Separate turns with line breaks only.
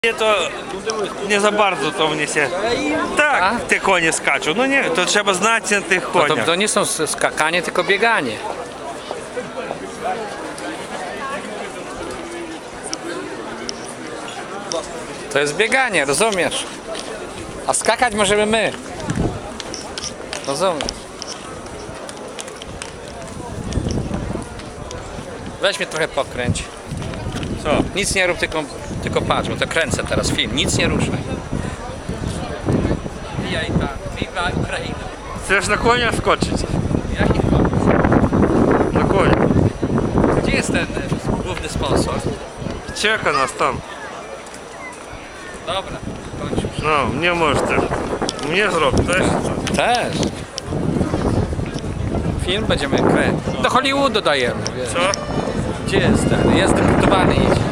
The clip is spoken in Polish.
Nie, to nie za bardzo to mnie się. Tak, te konie skaczą. No nie, to trzeba znać na tych
No
koniach.
to nie są skakanie, tylko bieganie. To jest bieganie, rozumiesz? A skakać możemy my. Rozumiesz? Weź mnie trochę pokręć.
Co?
Nic nie rób, tylko patrz, bo to kręcę teraz film. Nic nie ruszaj. Wbijaj tam. Viva Ukraina.
Chcesz na konia skoczyć?
Jaki pomysł?
Na konia.
Gdzie jest ten główny sponsor?
Czeka nas tam.
Dobra, kończysz.
No, mnie możesz też. Mnie zrób też.
Też. Film będziemy kręcić. Do Hollywoodu dajemy, wiesz.
Co?
Gdzie jest ten? Jest deputowany, idzie.